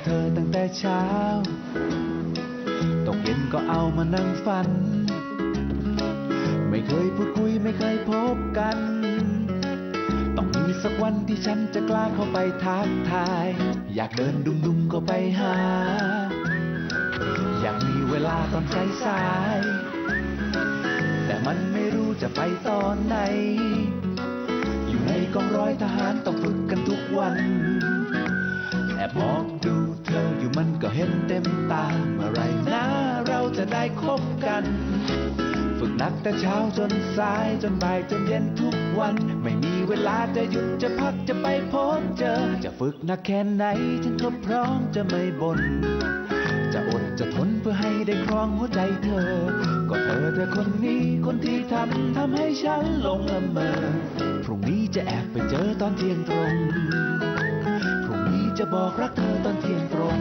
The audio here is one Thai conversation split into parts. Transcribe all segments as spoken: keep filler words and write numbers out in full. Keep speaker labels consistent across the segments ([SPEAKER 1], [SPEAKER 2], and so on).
[SPEAKER 1] เธอตั้งแต่เช้าตกเย็นก็เอามานั่งฝันไม่เคยพูดคุยไม่เคยพบกันต้องมีสักวันที่ฉันจะกล้าเข้าไปทักทายอยากเดินดุมๆเข้าไปหาอยากมีเวลาตอนสายๆแต่มันไม่รู้จะไปตอนไหนอยู่ในกองร้อยทหารต้องฝึกกันทุกวันแอบมองดูเธออยู่มันก็เห็นเต็มตาเมื่อไรนะเราจะได้คบกันฝึกหนักแต่เช้าจนสายจนบ่ายจนเย็นทุกวันไม่มีเวลาจะหยุดจะพักจะไปพบเจอจะฝึกหนักแค่ไหนฉันก็พร้อมจะไม่บ่นจะอดจะทนเพื่อให้ได้ครองหัวใจเธอก็เธอเธอคนนี้คนที่ทำทำให้ฉันหลงละเมอพรุ่งนี้จะแอบไปเจอตอนเที่ยงตรงพรุ่งนี้จะบอกรักเธอตอนเที่ยงตรง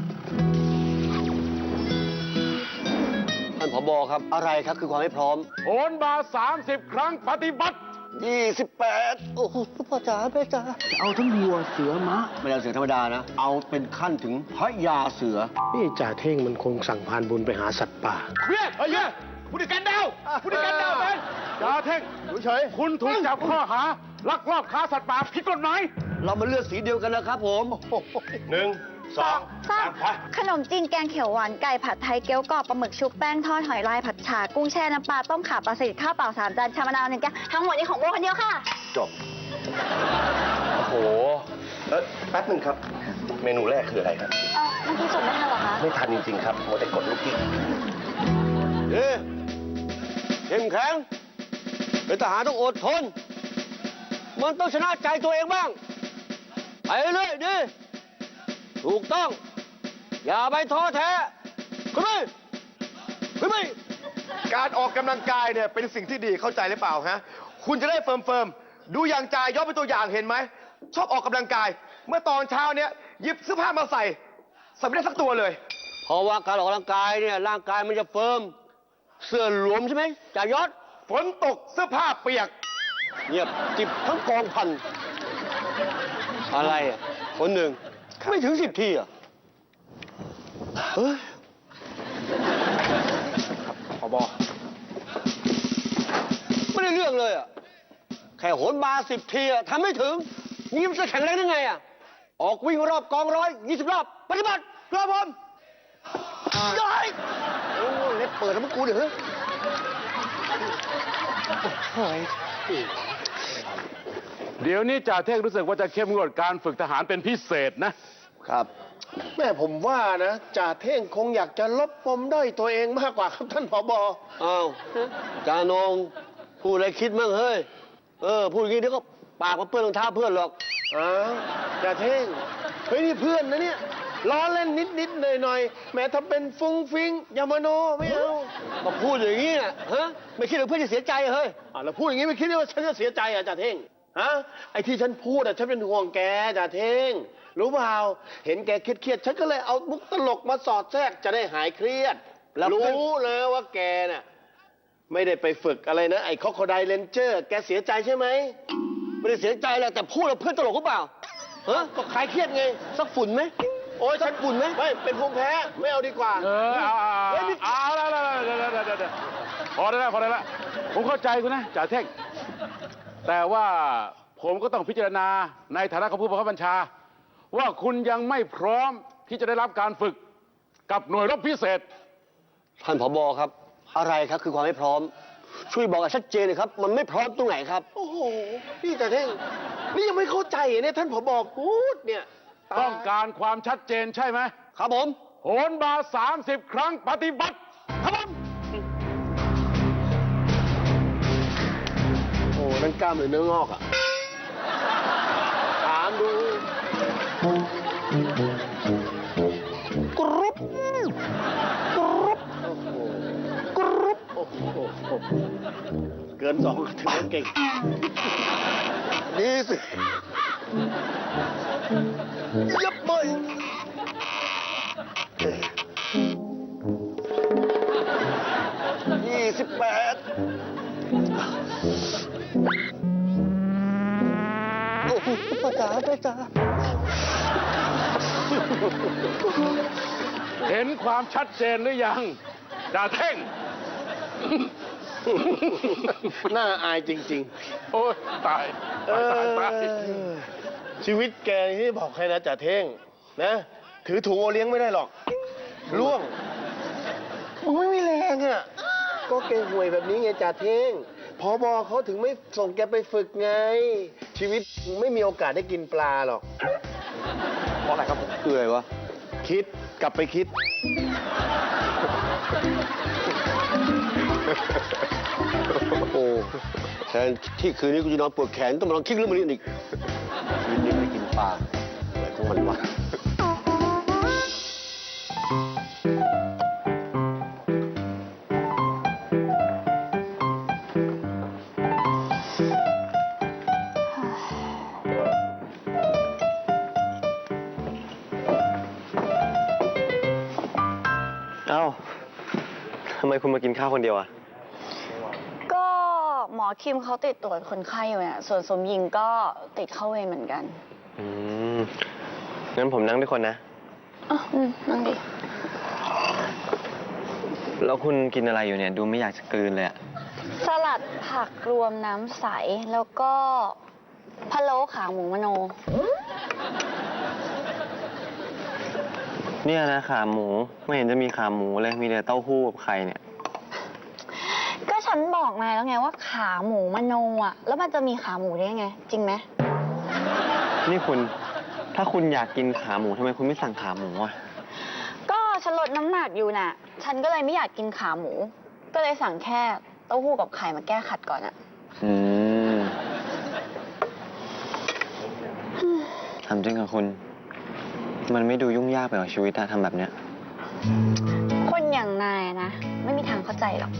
[SPEAKER 2] ท่านผบ.ครับอะไรครับคือความไม่พร้อม
[SPEAKER 3] โหนบาสามสิบครั้งปฏิบัติ
[SPEAKER 2] ยี่สิบแปดโอ้โหพ่อจ๋าแม่จ๋าจะเอาทั้งวัวเสือม้าไม่เอาเสือธรรมดานะเอาเป็นขั้นถึงพระยาเสือ
[SPEAKER 4] นี่จ่าเท่งมันคงสั่งพานบุญไปหาสัตว์ป่า
[SPEAKER 3] เฮ้ยเฮ้ยผู้ดิการดาวผู้ดิการดาวเป็นจ่าเท่งเฉยคุณถูกจับข้อหาลักลอบค้าสัตว์ป่าผิดกฎหมาย
[SPEAKER 2] เรามาเลือกสีเดียวกันนะครับผม
[SPEAKER 3] หนึ่งสองสาม
[SPEAKER 5] ขนมจีนแกงเขียวหวานไก่ผัดไทยเกี๊ยวกรอบปลาหมึกชุบแป้งทอดหอยลายผัดฉ่ากุ้งแช่น้ำปลาต้มข่าปลาสลิดข้าวเปล่าสามจานชามะนาวหนึ่งแก้วทั้งหมดนี้ของโบคนเดียวค่ะ
[SPEAKER 2] จบโอ้โหเออแป๊บหนึ่งครับเมนูแรกคืออะไรครับ
[SPEAKER 5] เออเมื่อกี้ส่งไม่ทันหรอคะ
[SPEAKER 2] ไม่ทันจริงๆครับโมแต่กดลูกกิ๊กเอ๊ะเข้มแข็งเป็นทหารต้องอดทนมันต้องชนะใจตัวเองบ้างไปเรื่อยดิถูกต้องอย่าไปท้อแท้ขึ้นไปขึ้นไป
[SPEAKER 3] การออกกำลังกายเนี่ยเป็นสิ่งที่ดีเข้าใจหรือเปล่าฮะคุณจะได้เฟิร์มเฟิร์มดูอย่างจ่ายยอดเป็นตัวอย่างเห็นไหมชอบออกกำลังกายเมื่อตอนเช้าเนี่ยหยิบเสื้อผ้ามาใส่ใส่ไม่ได้สักตัวเลย
[SPEAKER 2] เพราะว่าการออกกำลังกายเนี่ยร่างกายมันจะเฟิร์มเสื้อหลวมใช่ไหมจ่ายยอด
[SPEAKER 3] ฝนตกเสื้อผ้าเปียก
[SPEAKER 2] เงียบจิบทั้งกองพันอะไรอ่ะคนหนึ่งไม่ถึงสิบทีอ่ะเฮ้ยผบ.ไม่ได้เรื่องเลยอ่ะแค่โหนบาสิบทีอ่ะทำไม่ถึงนี่มันจะแข็งแรงได้ไงอ่ะออกวิ่งรอบกองร้อยยี่สิบรอบปฏิบัติรอบผมย้อยโอ้เล็บเปิดแล้วมันกูเดี๋ยวเฮ้ย
[SPEAKER 3] เดี๋ยวนี้จ่าเท่งรู้สึกว่าจะเข้มงวดการฝึกทหารเป็นพิเศษนะครับ
[SPEAKER 4] แม่ผมว่านะจ่าเท่งคงอยากจะลบปมด้อยตัวเองมากกว่าครับท่านผบ.
[SPEAKER 2] อ้าวจ่านงพูดอะไรคิดมั่งเฮ้ยเออพูดอย่างนี้เดี๋ยวก็ปากมาเปื้อนรองเท้าเพื่อนหรอก
[SPEAKER 4] อ้าวจ่าเท่งเฮ้ยนี่เพื่อนนะเนี่ยล้อเล่นนิดนิดหน่อยหน่อยแม้ถ้าเป็นฟุ้งฟิงอย่ามาโนไม่เอา
[SPEAKER 2] ก็พูดอย่างนี้นะฮะไม่คิดว่าเพื่อนจะเสียใจเฮ้ย
[SPEAKER 4] อ่าแล้วพูดอย่างนี้ไม่คิดว่าฉันจะเสียใจอ่ะจ่าเท่งฮะไอ้ที่ฉันพูดอ่ะฉันเป็นห่วงแกจ่าเท่งรู้เปล่าเห็นแกเครียดๆฉันก็เลยเอามุกตลกมาสอดแทรกจะได้หายเครียดรู้เลยว่าแกน่ะไม่ได้ไปฝึกอะไรนะไอ้คอคไดเลนเจอร์แกเสียใจใช่ไหม
[SPEAKER 2] ไม่ได้เสียใจแหละแต่พูดแล้วเพื่อนตลกหรือเปล่าฮะก็คลายเครียดไงสักฝุ่นไหมโอ้ยสักฝุ่นไหม
[SPEAKER 4] ไม่เป็นภูมิแพ้ไม่เอาดีกว่า
[SPEAKER 3] เออเอาเอาแล้วแล้วพอได้แล้วพอได้แล้วผมเข้าใจคุณนะจ่าเท่งแต่ว่าผมก็ต้องพิจารณาในฐานะของผู้บังคับบัญชาว่าคุณยังไม่พร้อมที่จะได้รับการฝึกกับหน่วยรบพิเศษ
[SPEAKER 2] ท่านผบ.ครับอะไรครับคือความไม่พร้อมช่วยบอกชัดเจนเลยครับมันไม่พร้อมตรงไหนครับ
[SPEAKER 4] โอ้โหพี่จ่าเท่งนี่ยังไม่เข้าใจเนี่ยท่านผบ.พูดเนี่ย
[SPEAKER 3] ต้องการความชัดเจนใช่ไหม
[SPEAKER 2] ครับผม
[SPEAKER 3] โหนบาสามสิบครั้งปฏิบัติครับผม
[SPEAKER 4] โอ้นั่นกล้ามหรือเนื้องอกอ่ะถามดูกรุบกรุบกรุบโอ้โหเกินสองถึงเก่ง
[SPEAKER 2] ดีสิยับไปยี่สิบแปดโอ้โหป้าจ๋าป้าจ๋า
[SPEAKER 3] เห็นความชัดเจนหรือยังจ่าเท่ง
[SPEAKER 4] น่าอายจริง
[SPEAKER 3] โอ้ยตาย
[SPEAKER 4] ๆ เอ
[SPEAKER 3] ตายตาย
[SPEAKER 4] อ
[SPEAKER 3] ตาย
[SPEAKER 4] ชีวิตแกที่บอกให้นะจ่าเท่งนะ ถือถุงโอเลี้ยงไม่ได้หรอกล่วงมึงไม่มีแรงอ่ะ ก็แกห่วยแบบนี้ไงจ่าเท่งพอบอเขาถึงไม่ส่งแกไปฝึกไง ชีวิตมึงไม่มีโอกาสได้กินปลาหรอก
[SPEAKER 2] เพราะอะไรครับคืออะไรวะ
[SPEAKER 4] คิดกลับไปคิด
[SPEAKER 2] โอ้แทนที่คืนนี้กูจะนอนปวดแขนต้องมาลองคิดเรื่องมันอีกคืนนี้ไม่กินปลาอะไรของมันวะ
[SPEAKER 6] เอ้า ทำไมคุณมากินข้าวคนเดียวอะ
[SPEAKER 5] ก็หมอคิมเขาติดตรวจคนไข้อยู่เนี่ยส่วนสมหญิงก็ติดเข้าเวรเหมือนกัน
[SPEAKER 6] อืม งั้นผมนั่งด้วยคนนะ
[SPEAKER 5] อ่ะอืมนั่งดิ
[SPEAKER 6] แล้วคุณกินอะไรอยู่เนี่ย ดูไม่อยากจะกลืนเลยอะ
[SPEAKER 5] สลัดผักรวมน้ำใส แล้วก็พะโล้ขาหมูมโน
[SPEAKER 6] เนี่ยนะขาหมู ไม่เห็นจะมีขาหมูเลย มีแต่เต้าหู้กับไข่เนี่ย
[SPEAKER 5] ก็ฉันบอกนายแล้วไงว่าขาหมูมโนอ่ะ แล้วมันจะมีขาหมูได้ยังไง จริงไหม
[SPEAKER 6] นี่คุณ ถ้าคุณอยากกินขาหมูทำไมคุณไม่สั่งขาหมูอะ
[SPEAKER 5] ก็ฉันลดน้ำหนักอยู่น่ะ ฉันก็เลยไม่อยากกินขาหมู ก็เลยสั่งแค่เต้าหู้กับไข่มาแก้ขัดก่อนอ่ะ
[SPEAKER 6] อืมทำจริงกับคุณ มันไม่ดูยุ่งยากไปหรอชีวิตอะทำแบบเนี้ย
[SPEAKER 5] คนอย่างนายนะ ไม่มีทางเข้าใจหรอก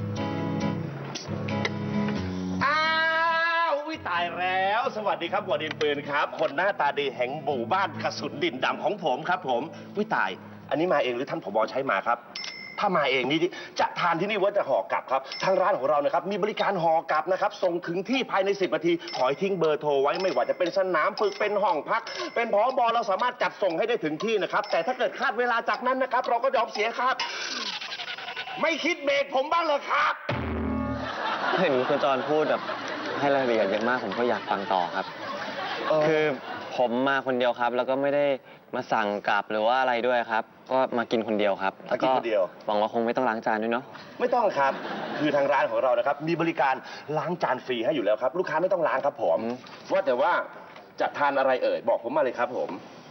[SPEAKER 4] อ้าววิตายแล้ว สวัสดีครับหัวดินปืนครับ คนหน้าตาดีแห่งหมู่บ้านกระสุนดินดำของผมครับ ผมวิตาย อันนี้มาเองหรือท่านผบใช้มาครับ ถ้ามาเองนี่จะทานที่นี่ว่าจะห่อกลับครับ ทางร้านของเรานะครับมีบริการห่อกลับนะครับ ส่งถึงที่ภายในสิบนาทีขอให้ทิ้งเบอร์โทรไว้ไม่ว่าจะเป็นสนามฝึกเป็นห้องพัก เป็นผอบอเราสามารถจัดส่งให้ได้ถึงที่นะครับ แต่ถ้าเกิดคาดเวลาจากนั้นนะครับ เราก็ยอมเสียครับ ไม่คิดเบรกผมบ้างเลยครับ
[SPEAKER 6] เห็นคุณจรพูดแบบให้รายละเอียดเยอะมากผมก็อยากฟังต่อครับ คือผมมาคนเดียวครับ แล้วก็ไม่ได้มาสั่งกลับหรือว่าอะไรด้วยครับ ก็มากินคนเดียวครับแล้วก็
[SPEAKER 4] มากินคนเดียว
[SPEAKER 6] หวังว่าคงไม่ต้องล้างจานด้วยเนาะ
[SPEAKER 4] ไม่ต้องครับ คือทางร้านของเรานะครับ มีบริการล้างจานฟรีให้อยู่แล้วครับ ลูกค้าไม่ต้องล้างครับผม
[SPEAKER 6] อืม
[SPEAKER 4] ว่าแต่ว่าจะทานอะไรเอ่ย บอกผมมาเลยครับผม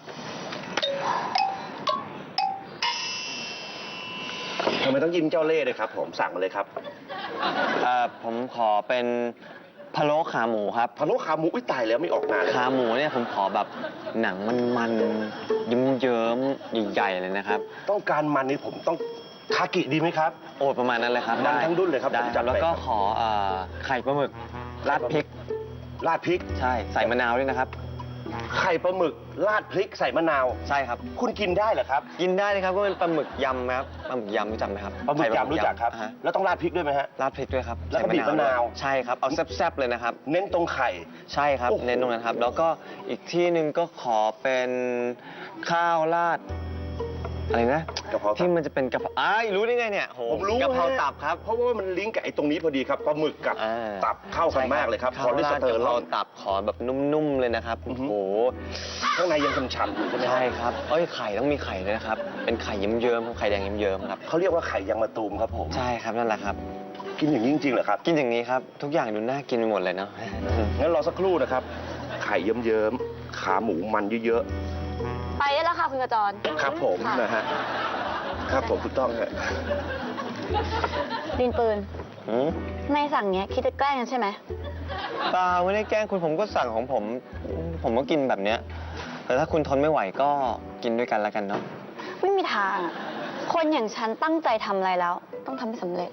[SPEAKER 4] ทำไมต้องยิ้มเจ้าเล่ห์เลยครับผม สั่งมาเลยครับ
[SPEAKER 6] เอ่อผมขอเป็นพะโล้ขาหมูครับ
[SPEAKER 4] พะโล้ขาหมูอุ้ยตายแล้วไม่ออกนานเลย
[SPEAKER 6] ขาหมูเนี่ยผมขอแบบหนังมันๆยิ้มเยิ้มๆใหญ่ๆเลยนะครับ
[SPEAKER 4] ต้องการมันนี่ผมต้องคากิดีไหมครับ
[SPEAKER 6] โอ้ประมาณนั้นเลยครับ
[SPEAKER 4] มัน
[SPEAKER 6] ได้
[SPEAKER 4] ทั้งรุ่นเลยครับ
[SPEAKER 6] ได้
[SPEAKER 4] ผม
[SPEAKER 6] ค
[SPEAKER 4] จั
[SPEAKER 6] รั
[SPEAKER 4] ด
[SPEAKER 6] บ
[SPEAKER 4] ไป
[SPEAKER 6] แล้วก็
[SPEAKER 4] ครับ
[SPEAKER 6] ขอเอ่อไข่ปลาหมึกราดพริก
[SPEAKER 4] ราดพริก
[SPEAKER 6] ใช่ใส่มะนาวด้วยนะครับ
[SPEAKER 4] ไข่ปลาหมึกราดพริกใส่มะนาว
[SPEAKER 6] ใช่ครับ
[SPEAKER 4] คุณกินได้เหรอครับ
[SPEAKER 6] กินได้เลยครับก็เป็นปลาหมึกยำครับปลาหมึกยำรู้จักไหมครับ
[SPEAKER 4] ปลาหมึก
[SPEAKER 6] ไข่
[SPEAKER 4] ยำรู้จักครับ
[SPEAKER 6] อ่าฮะ
[SPEAKER 4] แล้วต้องราดพริกด้วยไหมฮะ
[SPEAKER 6] ราดพริกด้วยครับ
[SPEAKER 4] แล้วก็
[SPEAKER 6] ใส่
[SPEAKER 4] บีบมะนาว
[SPEAKER 6] ด้วยใช่ครับ เอาแซ่บๆเลยนะครับ
[SPEAKER 4] เน้นตรงไข่
[SPEAKER 6] ใช่ครับ
[SPEAKER 4] โอ้โห
[SPEAKER 6] เน้นตรงนั้นครับ แล้วก็อีกที่หนึ่งก็ขอเป็นข้าวราดอะไรนะ
[SPEAKER 4] กะเพราตับ
[SPEAKER 6] ที่มันจะเป็นกะเพราอ้ายรู้ได้ไงเนี่ยโห
[SPEAKER 4] ผมรู้
[SPEAKER 6] กะเพรา
[SPEAKER 4] ฮ
[SPEAKER 6] ตับครับ
[SPEAKER 4] เพราะว่ามันลิงก์กับไอ้ตรงนี้พอดีครับปลาหมึกกับ
[SPEAKER 6] อ่า
[SPEAKER 4] ตับเข้ากันมากเลยครับ
[SPEAKER 6] ข้า
[SPEAKER 4] คว อเลส
[SPEAKER 6] ราด
[SPEAKER 4] เตอก
[SPEAKER 6] ะ
[SPEAKER 4] ร
[SPEAKER 6] เพ
[SPEAKER 4] อ
[SPEAKER 6] รา
[SPEAKER 4] ล
[SPEAKER 6] ตับขอแบบนุ่มๆเลยนะครับ
[SPEAKER 4] อื
[SPEAKER 6] โอ้
[SPEAKER 4] อฮึ
[SPEAKER 6] โห
[SPEAKER 4] ข้างในยังฉ่ำๆอยู่ใช่ไหม
[SPEAKER 6] ใช่ครับเอ้ยไข่ต้องมีไข่ด้วยนะครับ เป็นไข่เยิ้มๆครับไข่แดงเยิ้มๆครับ
[SPEAKER 4] เขาเรียกว่าไข่ยางมะตูมครับผม
[SPEAKER 6] ใช่ครับนั่นแหละครับ
[SPEAKER 4] กินอย่างนี้จริงๆเหรอครับ
[SPEAKER 6] กินอย่างนี้ครับ ทุกอย่างดูน่ากินไปหมดเลยเนาะ
[SPEAKER 4] งั้นรอสักครู่นะครับ ไข่เยิ้มๆขาหมูมันเยอะ
[SPEAKER 5] ไปได้แล้วค่ะคุณกระจร
[SPEAKER 4] ๆครับผม
[SPEAKER 5] ค่ะ
[SPEAKER 4] นะฮะครับผมถูกต้องฮะ
[SPEAKER 5] ดินปืน
[SPEAKER 6] หืม
[SPEAKER 5] นายสั่งเนี้ยคิดจะแกล้งกันใช่ไหม
[SPEAKER 6] เปล่าไม่ได้แกล้งคุณผมก็สั่งของผม ผมก็กินแบบเนี้ยแต่ถ้าคุณทนไม่ไหวก็กินด้วยกันแล้วกันเนาะ
[SPEAKER 5] ไม่มีทางอะคนอย่างฉันตั้งใจทำอะไรแล้ว ต้องทำให้สำเร็จ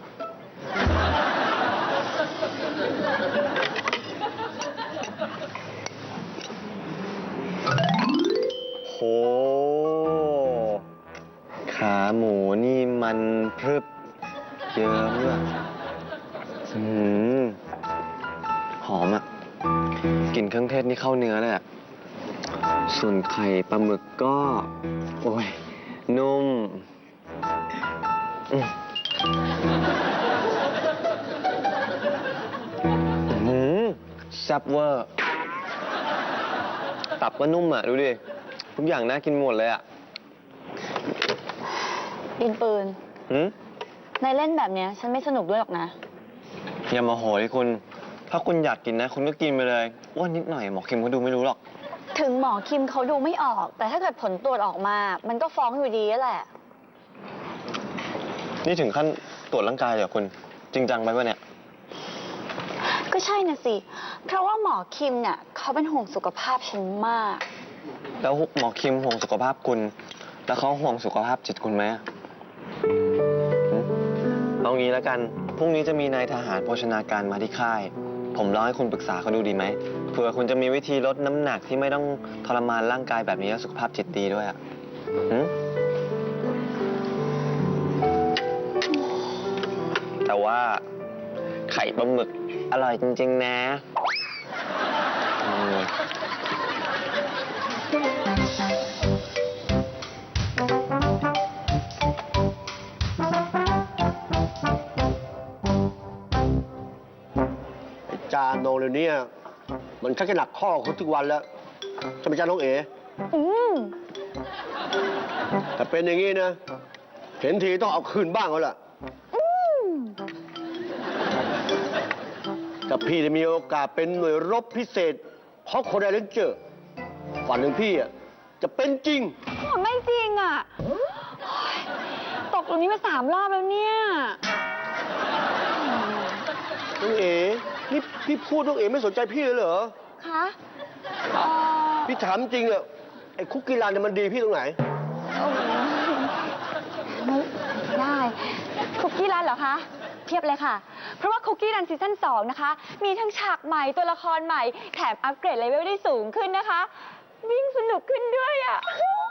[SPEAKER 6] โห ขาหมูนี่มันพรึบเยิ้มด้วยอืมหอมอ่ะกลิ่นเครื่องเทศนี่เข้าเนื้อเลยอ่ะส่วนไข่ปลาหมึกก็ โอ้ย นุ่มอืมอื้อหือแซ่บเวอร์ ตับก็นุ่มอ่ะ ดูดิ ทุกอย่างน่ากินหมดเลยอ่ะ
[SPEAKER 5] ดินปืน
[SPEAKER 6] หืม
[SPEAKER 5] ในเล่นแบบเนี้ยฉันไม่สนุกด้วยหรอกนะ
[SPEAKER 6] อย่ามาโหยคุณ ถ้าคุณอยากกินนะ คุณก็กินไปเลยอ้วนนิดหน่อยหมอคิมเขาดูไม่รู้หรอก
[SPEAKER 5] ถึงหมอคิมเขาดูไม่ออก แต่ถ้าเกิดผลตรวจออกมา มันก็ฟ้องอยู่ดีแหละ
[SPEAKER 6] นี่ถึงขั้นตรวจร่างกายเลยเหรอคุณ จริงจังไปปะเนี่ย
[SPEAKER 5] ก็ใช่น่ะสิ เพราะว่าหมอคิมเนี่ยเขาเป็นห่วงสุขภาพฉันมาก
[SPEAKER 6] แล้วหมอคิมห่วงสุขภาพคุณ แล้วเขาห่วงสุขภาพจิตคุณไหมอะหึเอางี้แล้วกัน พรุ่งนี้จะมีนายทหารโภชนาการมาที่ค่าย ผมลองให้คุณปรึกษาเขาดูดีไหมเผื่อคุณจะมีวิธีลดน้ำหนักที่ไม่ต้องทรมานร่างกายแบบนี้แล้วสุขภาพจิตดีด้วยอะหึแต่ว่าไข่ปลาหมึกอร่อยจริงๆนะอืม
[SPEAKER 2] ไอ้จาโนเลยเนี่ยมันชักจะหนักข้อคุณทุกวันแล้วใช่ไหมจ้าน้องเอ๋
[SPEAKER 5] อืม
[SPEAKER 2] แต่เป็นอย่างนี้นะ เห็นทีต้องเอาคืนบ้างแล้วล่ะ
[SPEAKER 5] อืม
[SPEAKER 2] ถ้าพี่ได้มีโอกาสเป็นหน่วยรบพิเศษเพราะคนไดเรนเจอร์ฝันของพี่อ่ะจะเป็นจริง
[SPEAKER 5] ไม่จริงอ่ะโอ๊ยตกตรงนี้มาสามรอบแล้วเนี่ย
[SPEAKER 2] น้องเอ๋นี่พี่พูดน้องเอ๋ไม่สนใจพี่เลยเหรอ
[SPEAKER 5] คะเอ่อ
[SPEAKER 2] พี่ถามจริงอะไอ้คุกกี้รันเนี่ยมันดีพี่ตรงไหน
[SPEAKER 5] โอ้โหไม่ได้ คุกกี้รันเหรอคะ เทียบเลยค่ะ เพราะว่าคุกกี้รันซีซั่นสองนะคะ มีทั้งฉากใหม่ตัวละครใหม่ แถมอัปเกรดเลเวลได้สูงขึ้นนะคะ วิ่งสนุกขึ้นด้วยอ่ะ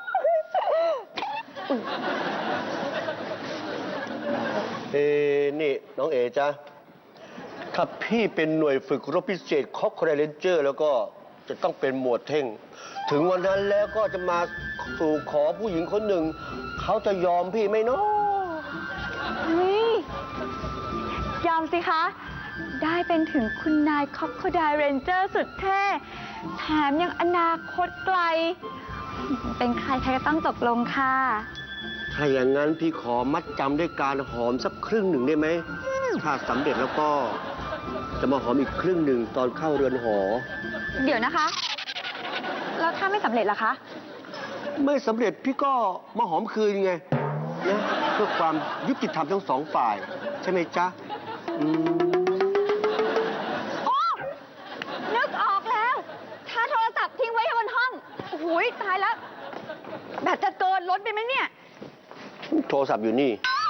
[SPEAKER 2] เอ้นี่น้องเอ๋จ้ะถ้าพี่เป็นหน่วยฝึกรบพิเศษคอกคอร์เรนเจอร์ แล้วก็จะต้องเป็นหมวดเท่ง ถึงวันนั้นแล้วก็จะมาสู่ขอผู้หญิงคนหนึ่ง เขาจะยอมพี่ไหมเนาะ
[SPEAKER 5] เฮ้ยยอมสิคะ ได้เป็นถึงคุณนายคอปโคไดเรนเจอร์สุดเท่ แถมยังอนาคตไกล เป็นใครใครก็ต้องตกลงค่ะ
[SPEAKER 2] ถ้าอย่างนั้นพี่ขอมัดจำด้วยการหอมสักครึ่งหนึ่งได้ไหม ถ้าสำเร็จแล้วก็จะมาหอมอีกครึ่งหนึ่งตอนเข้าเรือนหอ
[SPEAKER 5] เดี๋ยวนะคะ แล้วถ้าไม่สำเร็จล่ะคะ
[SPEAKER 2] ไม่สำเร็จพี่ก็มาหอมคืนไงนะเพื่อความยุติธรรมทั้งสองฝ่าย ใช่ไหมจ๊ะอืม
[SPEAKER 5] โอ้ นึกออกแล้ว ถ้าโทรศัพท์ทิ้งไว้บนห้อง โอ้โหตายแล้ว แบตจะเกินล้นไปไหมเนี่ย
[SPEAKER 2] โทรศัพท์อยู่นี่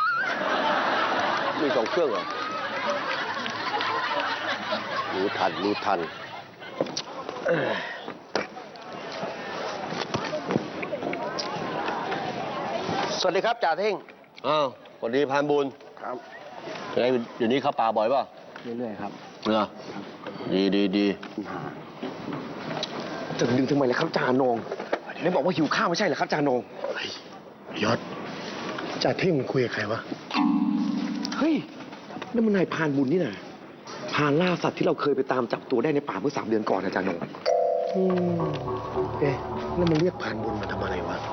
[SPEAKER 2] มีสองเครื่องเหรอ รู้ทัน รู้ทันเอ้ยสวัสดีครับจ่าเท่ง อ้าวสวัสดีพานบุญ ครับไงเดี๋ยวนี้เข้าป่าบ่อยป่ะ
[SPEAKER 7] เรื่อยๆครับ
[SPEAKER 2] เหรอดีดีดี
[SPEAKER 7] จะดึงทำไมล่ะครับจ่าโหนงไหนบอกว่าหิวข้าวไม่ใช่เหรอครับจ่าโหนง
[SPEAKER 4] ยศจ่าเท่งมันคุยกับใครวะ
[SPEAKER 7] เฮ้ยนั่นมันนายพรานบุญนี่นะพรานล่าสัตว์ที่เราเคยไปตามจับตัวได้ในป่าเมื่อสามเดือนก่อนนะจ่าโหนง
[SPEAKER 4] อืมเอ๊ะแล้วมันเรียกผ่านบุญมาทำอะไรวะ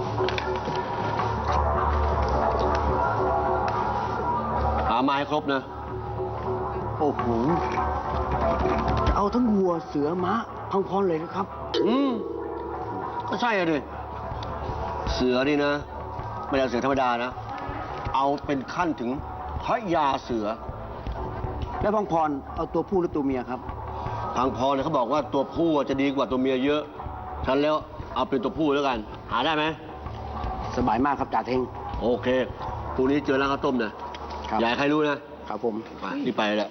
[SPEAKER 2] หาไม้ครบนะ
[SPEAKER 4] โอ้โห จะเอาทั้งวัวเสือม้าพังพรเลยนะครับ
[SPEAKER 2] อืม ก็ใช่อะดิ เสือนี่นะ ไม่ใช่เสือธรรมดานะ เอาเป็นขั้นถึงพระยาเสือ
[SPEAKER 4] แล้วพังพรเอาตัวผู้หรือตัวเมียครับ
[SPEAKER 2] ทางพรเนี่ยเขาบอกว่าตัวผู้จะดีกว่าตัวเมียเยอะ ฉันแล้วเอาเป็นตัวผู้แล้วกัน หาได้ไหม
[SPEAKER 4] สบายมากครับจ่าเท่ง
[SPEAKER 2] โอเคพรุ่งนี้เจอร้านข้าวต้มนะครับ อย่าให้ใครรู้นะครับ
[SPEAKER 4] ผม
[SPEAKER 2] ไปรีบไปเลย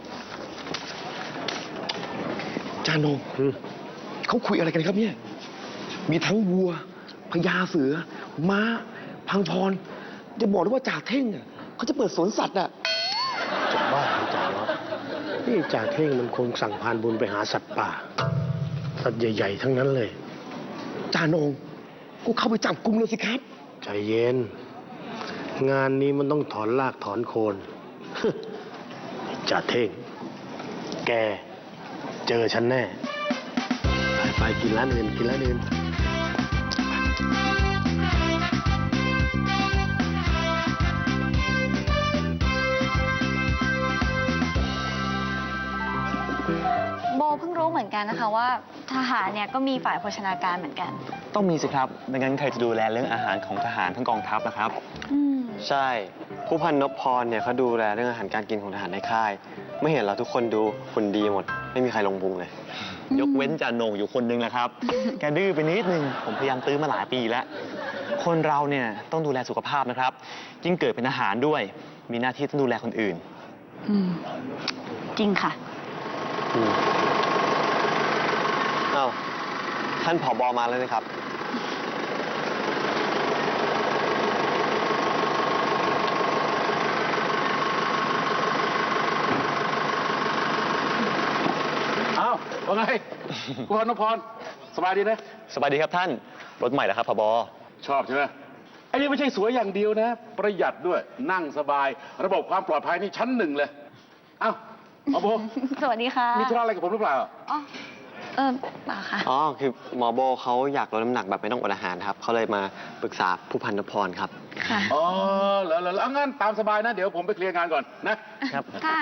[SPEAKER 7] จ่าโหนงเขาคุยอะไรกันครับเนี่ย มีทั้งวัวพญาเสือ ม้า พังพร จะบอกได้ว่าจ่าเท่งอ่ะเขาจะเปิดสวนสัตว์อ่ะ
[SPEAKER 4] จะบ้าหรือจ่ายศนี่จ่าเท่งมันคงสั่งพานบุญไปหาสัตว์ป่า สัตว์ใหญ่ๆทั้งนั้นเลย
[SPEAKER 7] จจ่าโหนงก็เข้าไปจับกุมเลยสิครับ
[SPEAKER 2] ใจเย็น งานนี้มันต้องถอนรากถอนโคน จ่าเท่ง แก เจอฉันแน่ ไปไปกินร้านอื่น กินร้านอื่น
[SPEAKER 5] โบเพิ่งรู้เหมือนกันนะคะว่าทหารเนี่ยก็มีฝ่ายโภชนาการเหมือนกัน
[SPEAKER 6] ต้องมีสิครับไม่งั้นใครจะดูแลเรื่องอาหารของทหารทั้งกองทัพนะครับ
[SPEAKER 5] อืม
[SPEAKER 6] ใช่ ผู้พันนพพรเนี่ยเขาดูแลเรื่องอาหารการกินของทหารในค่าย ไม่เห็นเราทุกคนดูหุ่นดีหมด ไม่มีใครลงพุงเลย ยกเว้นจ่าโหน่งอยู่คนนึงแหละครับ แกดื้อไปนิดนึง ผมพยายามตื้อมาหลายปีแล้ว คนเราเนี่ยต้องดูแลสุขภาพนะครับ ยิ่งเกิดเป็นทหารด้วย มีหน้าที่ต้องดูแลคนอื่น
[SPEAKER 5] อืม จริงค่ะ
[SPEAKER 6] อ้าวท่านผบมาแล้วนะครับ
[SPEAKER 3] อ้าวว่าไง คุณพรนพพรสบายดีนะ
[SPEAKER 6] สบายดีครับท่าน รถใหม่แล้วครับผบ
[SPEAKER 3] ชอบใช่ไหมไอ้นี่ไม่ใช่สวยอย่างเดียวนะ ประหยัดด้วย นั่งสบาย ระบบความปลอดภัยนี่ชั้นหนึ่งเลย เอ้าเอาโบ
[SPEAKER 5] สวัสดีค่ะ
[SPEAKER 3] มีธุระอะไรกับผมหรือเปล่า
[SPEAKER 5] อ๋อเออเปล่าค่ะ
[SPEAKER 6] อ๋อ คือหมอโบเขาอยากลดน้ำหนักแบบไม่ต้องอดอาหารครับ เขาเลยมาปรึกษาผู้พันนพพรครับ
[SPEAKER 5] ค่ะ
[SPEAKER 3] อ๋อแล้วแล้วเอางั้นตามสบายนะ เดี๋ยวผมไปเคลียร์งานก่อนนะ
[SPEAKER 6] ครับ
[SPEAKER 5] ค่ะ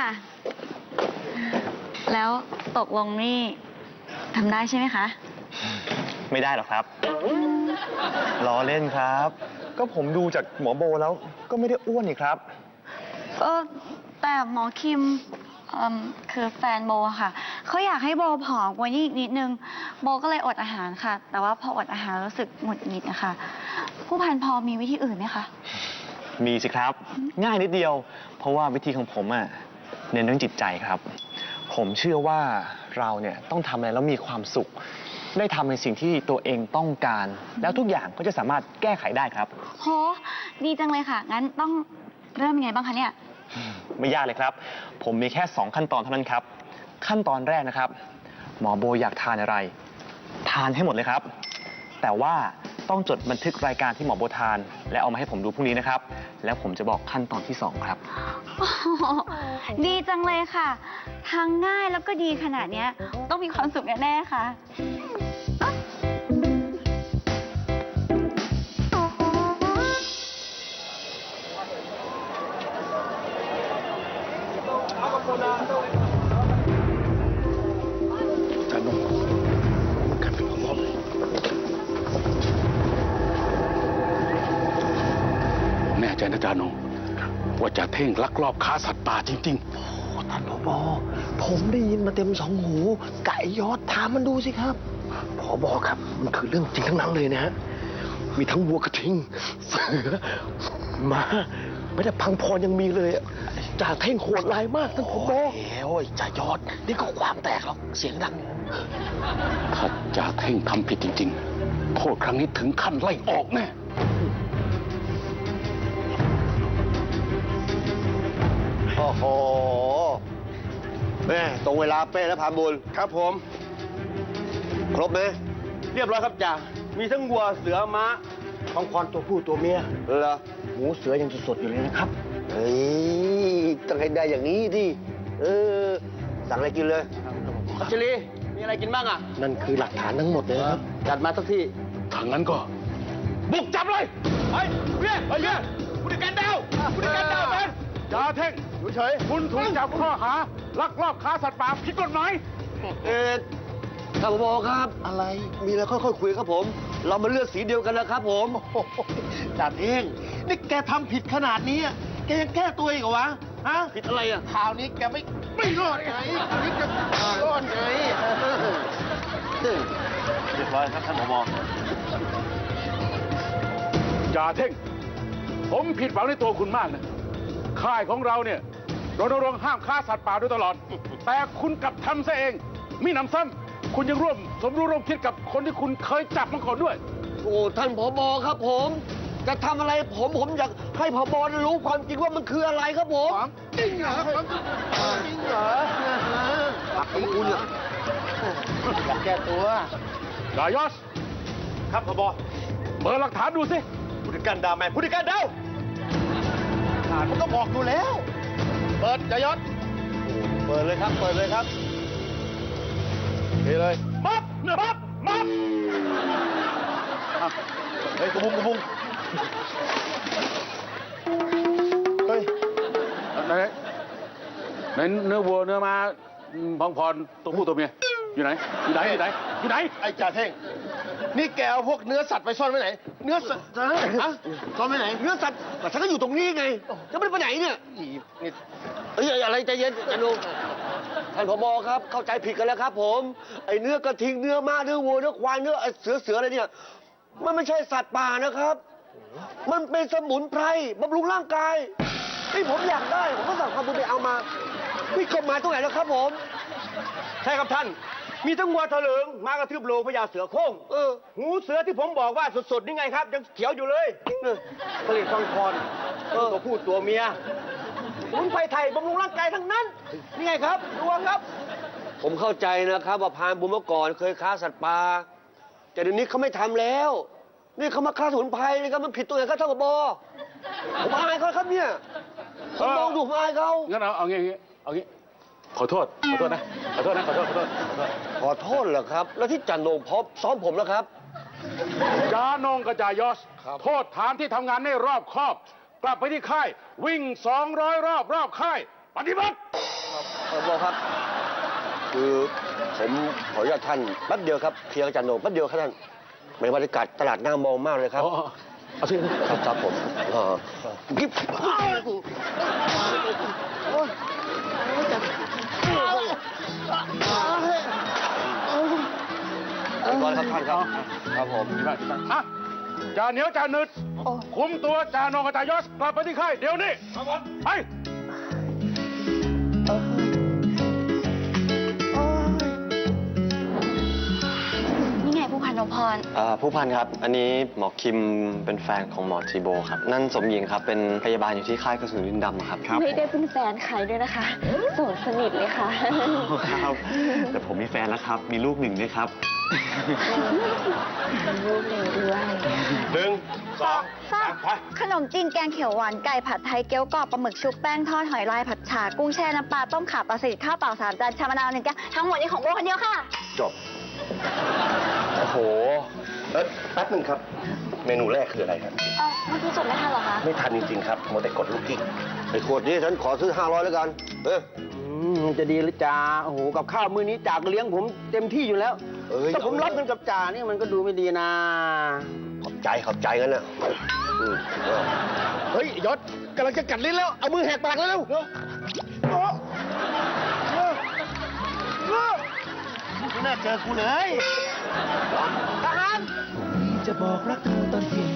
[SPEAKER 5] แล้วตกลงนี่ทำได้ใช่ไหมคะ
[SPEAKER 6] ไม่ได้หรอกครับ ล้อเล่นครับ ก็ผมดูจากหมอโบแล้วก็ไม่ได้อ้วนนี่ครับ
[SPEAKER 5] เออแต่หมอคิมเอิ่มคือแฟนโบอะค่ะเขาอยากให้โบผอมกว่านี้อีกนิดนึง โบก็เลยอดอาหารค่ะ แต่ว่าพออดอาหารรู้สึกหงุดหงิดนะคะผู้พันพอมีวิธีอื่นไหมคะ
[SPEAKER 6] มีสิครับ ง่ายนิดเดียว เพราะว่าวิธีของผมอะเน้นเรื่องจิตใจครับ ผมเชื่อว่าเราเนี่ยต้องทำอะไรแล้วมีความสุข ได้ทำในสิ่งที่ตัวเองต้องการ แล้วทุกอย่างก็จะสามารถแก้ไขได้ครับ
[SPEAKER 5] โห ดีจังเลยค่ะ งั้นต้องเริ่มยังไงบ้างคะเนี่ย
[SPEAKER 6] ไม่ยากเลยครับ ผมมีแค่สองขั้นตอนเท่านั้นครับ ขั้นตอนแรกนะครับ หมอโบอยากทานอะไร ทานให้หมดเลยครับ แต่ว่าต้องจดบันทึกรายการที่หมอโบทาน และเอามาให้ผมดูพรุ่งนี้นะครับ แล้วผมจะบอกขั้นตอนที่สองครับ
[SPEAKER 5] โอ้โหดีจังเลยค่ะ ทางง่ายแล้วก็ดีขนาดเนี้ยต้องมีความสุขแน่ๆค่ะ
[SPEAKER 2] จ่าโหนงมันกันเป็นพร้อมเลย
[SPEAKER 3] แน่ใจนะจาโนว่าจะเท่งลักลอบค้าสัตว์ป่าจริง
[SPEAKER 7] ท่านผบผมได้ยินมาเต็มสองหู ไก่ยอดถามมันดูสิครับผบครับ มันคือเรื่องจริงทั้งนั้นเลยนะฮะ มีทั้งวัวกระทิง เสือม้าไม่ได้พังพรยังมีเลยอะจ่าเท่งโหดร้ายมากท่านผบโอ้ยจ่ายอด นี่ก็ความแตกหรอก เสียงดัง
[SPEAKER 3] ๆ ถ้าจ่าเท่งทำผิดจริง ๆ โทษครั้งนี้ถึงขั้นไล่ออกแน่
[SPEAKER 2] โอ้โหแม่ตรงเวลาเป๊ะแล้วพานบุญครับผม ครบไหมเรียบร้อยครับจ่ามีทั้งวัวเสือม้าทองคอนตัวผู้ตัวเมียเหรอหมูเสือยังสดๆอยู่เลยนะครับเฮ้ยต้องให้ได้อย่างนี้ดิเออสั่งอะไรกินเลยพัชรีมีอะไรกินบ้างอ่ะนั่นคือหลักฐานทั้งหมดเลยครับจัดมาสักที่
[SPEAKER 3] ถ้างั้นก็ บุกจับเลยไปเรียกไปเรียกผู้จัดการดาวผู้จัดการดาวเป็นจ่าเท่งอยู่เฉยคุณถูกจับข้อหาลักลอบค้าสัตว์ป่าผิดกฎหมาย
[SPEAKER 2] เอ็ดท่านผบครับ อะไร มีอะไรค่อยๆคุยครับผม เรามาเลือกสีเดียวกันนะครับผมจ่าเท่งนี่แกทำผิดขนาดนี้อะแกยังแก้ตัวอีกเหรอวะ ฮะ ผิดอะไรอ่ะข่าวนี้แกไม่ไม่รอดไงคราวนี้แกรอดไงเรียบร้อยครับท่านผบ
[SPEAKER 3] จ่าเท่ง ผมผิดหวังในตัวคุณมากนะ ค่ายของเราเนี่ยรณรงค์ห้ามฆ่าสัตว์ป่าโดยตลอด แต่คุณกลับทำซะเอง มีหนำซ้ำคุณยังร่วมสมรู้ร่วมคิดกับคนที่คุณเคยจับมาก่อนด้วย
[SPEAKER 2] โอ้ท่านผบครับผม จะทำอะไรผมผมอยากให้ผบรู้ความจริงว่ามันคืออะไรครับผมจริงเหรอจริงเหรอหักของคุณเหรออยากแก้ตัว
[SPEAKER 3] จ่ายอส
[SPEAKER 4] ครับผบ
[SPEAKER 3] เปิดหลักฐานดูสิ
[SPEAKER 4] ผู้จัดการดาวแมนผู้จัดการดาวฐานมันก็บอกอยู่แล้ว เปิดจายศเปิดเลยครับ เปิดเลยครับนี่เลยมับมับมับอ่ะเฮ้ยกระบุงกระบุงเฮ้ย
[SPEAKER 3] ไหนไหนเนื้อวัวเนื้อม้าพองพรตัวผู้ตัวเมียอยู่ไหนอยู่ไหนอยู่ไหนอยู่ไหน
[SPEAKER 4] ไอ้จ่าเท่ง นี่แกเอาพวกเนื้อสัตว์ไปซ่อนไว้ไหน เนื้อสัตว์ฮะซ่อนไว้ไหน เนื้อสัตว์แต่ฉันก็อยู่ตรงนี้ไง จะไม่ได้ไปไหนเนี่ยนี่เอ้ยอะไรใจเย็นใจนุ่มท่านผบครับ เข้าใจผิดกันแล้วครับ ผม ไอ้เนื้อกระทิง เนื้อม้า เนื้อวัว เนื้อควาย เนื้อเสือเสืออะไรเนี่ย มันไม่ใช่สัตว์ป่านะครับ มันเป็นสมุนไพรบำรุงร่างกายที่ผมอยากได้ ผมก็สั่งความบุญไปเอามานี่กฎหมายตรงไหนแล้วครับผม ใช่ครับท่าน มีทั้งวัวทะเลิงม้ากระทืบโลพญาเสือโคร่งเออ หูเสือที่ผมบอกว่าสดๆนี่ไงครับ ยังเขียวอยู่เลยผลิตฟังคอนตัวผู้ตัวเมียสมุนไพรไทยบำรุงร่างกายทั้งนั้น นี่ไงครับดูครับ ผมเข้าใจนะครับว่าพรานบุญเมื่อก่อนเคยค้าสัตว์ป่าแต่เดี๋ยวนี้เขาไม่ทำแล้ว นี่เขามาค้าสมุนไพรนะครับมันผิดตัวไหนครับท่านผบผมอายเขาครับเนี่ยผมมองดูผมอายเขา
[SPEAKER 3] งั้นเอาเอางี้เอางี้เอางี้ขอโทษขอโทษนะขอโทษนะขอโทษขอโทษขอโทษ
[SPEAKER 2] ขอโทษเหรอครับ แล้วที่จันโหนงพบซ้อมผมแล้วครับ
[SPEAKER 3] จานงกับจายอสโทษฐานที่ทำงานไม่รอบคอบ กลับไปที่ค่าย วิ่งสองร้อยรอบรอบค่าย ปฏิบัติ
[SPEAKER 2] ผบครับ คือผมขออนุญาตท่านแป๊บเดียวครับเคลียร์กับจันโหนงแป๊บเดียวครับท่านในบรรยากาศตลาดน่ามองมากเลยครับ
[SPEAKER 3] อ๋อเอาสิ
[SPEAKER 2] ครับครับผมอ่ากิ๊บไปก่อนครับท่านครับ ครับผม
[SPEAKER 3] อ่ะจ่าเหนียวจ่าหนึดคุมตัวจ่านงกับจ่ายอสกลับไปที่ค่ายเดี๋ยวนี้ไป
[SPEAKER 5] นี่ไงผู้พันนพพร
[SPEAKER 6] อ่าผู้พันครับ อันนี้หมอคิมเป็นแฟนของหมอจีโบครับ นั่นสมหญิงครับ เป็นพยาบาลอยู่ที่ค่ายกระสุนดินดำครับ
[SPEAKER 5] ไม่ได้เป็นแฟนใครด้วยนะคะโสดสนิทเลยค่ะ
[SPEAKER 6] ครับ แต่ผมมีแฟนแล้วครับ มีลูกหนึ่งด้วยครับ
[SPEAKER 5] มีลูกหนึ่งด้วย
[SPEAKER 4] หนึ่งสอง
[SPEAKER 8] สามขนมจีนแกงเขียวหวานไก่ผัดไทยเกี๊ยวกรอบปลาหมึกชุบแป้งทอดหอยลายผัดฉ่ากุ้งแช่น้ำปลาต้มข่าปลาสลิดข้าวเปล่าสามจานชามะนาวหนึ่งแก้วทั้งหมดนี้ของโบคนเดียวค่ะ
[SPEAKER 4] จบ โอ้โหเอ้ยแป๊บหนึ่งครับ เมนูแรกคืออะไรครับ
[SPEAKER 5] เอ้าเมื่อกี้จดไม่ทันเหรอคะ
[SPEAKER 4] ไม่ทันจริงๆครับโมวแต่กดลูกกิ๊ก
[SPEAKER 2] ไอ้ขวดนี้ฉันขอซื้อห้าร้อยแล้วกัน เออ
[SPEAKER 9] จะดีหรือจ่าโอ้โห กับข้าวมื้อนี้จ่าก็เลี้ยงผมเต็มที่อยู่แล้ว
[SPEAKER 2] เอ้ย
[SPEAKER 9] ถ้าผมรับเงินกับจ่านี่มันก็ดูไม่ดีนะ
[SPEAKER 2] ขอบใจขอบใจกันนะอืมเออ
[SPEAKER 4] เฮ้ยยศกำลังจะกัดลิ้นแล้ว เอามือแหกปากแล้วเร็วเร็วโอ้เร็วเร็วไม่น่าเจอกูเลยทหาร
[SPEAKER 1] จะบอกรักเธอตอนเที่ยง